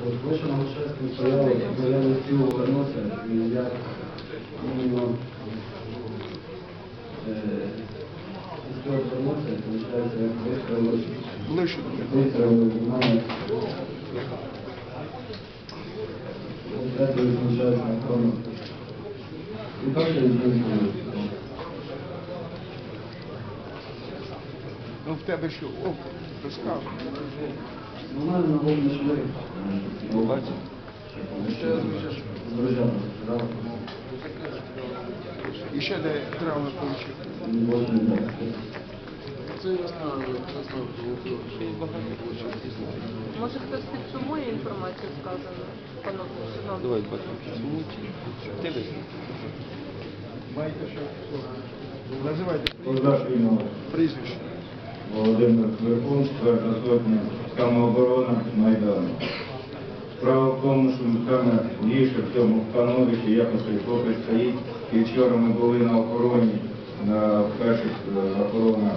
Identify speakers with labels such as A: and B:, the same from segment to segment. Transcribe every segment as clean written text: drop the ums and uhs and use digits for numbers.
A: Больше на участке стоял, я не успел вернуться, и я именно успел вернуться, и получается, я выстроил внимание. Это получается на кроме. И так я не.
B: Ну, в тебе що? О, розказуй.
A: Нормально на волне шли.
B: Бачите?
A: З друзями.
B: І ще де травми отримав?
C: Це я знаю,
D: Може хтось підсумує інформацію сказану? Панове,
E: Давай потім підсумуйте. Ти висновок.
B: Маєте що? Називайте
A: Позашвійного.
B: прізвище.
A: Володимир Кверкун, 4-та сотня, самооборона Майдану. Справа в тому, що саме ліше в цьому становищі якось хлопець стоїть. І вчора ми були на охороні, на перших охоронах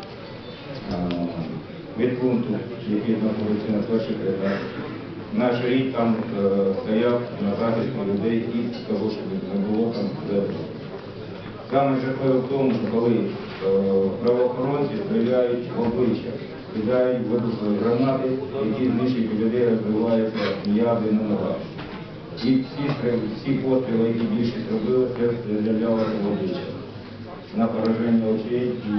A: від пункту, який знаходиться на перших рядах. Наш рід там стояв на захисті людей і того, щоб не було там землі. Саме жахливе в тому, що коли правоохоронці стріляють в обличчя, кидають вибухові гранати, які знищують людей, розбиваються м'язи на ногах. І всі постріли, які більшість робили, це стрілялося в обличчя. На пораження очей і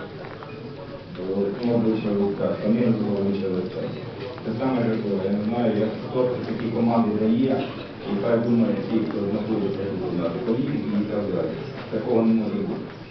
A: обличчя лиця, самим обличчя лиця. Це саме жахливе. Я не знаю, як хто такі команди дає, і хай думає ті, хто знаходиться тут на політиці і так далі. Такого не може бути.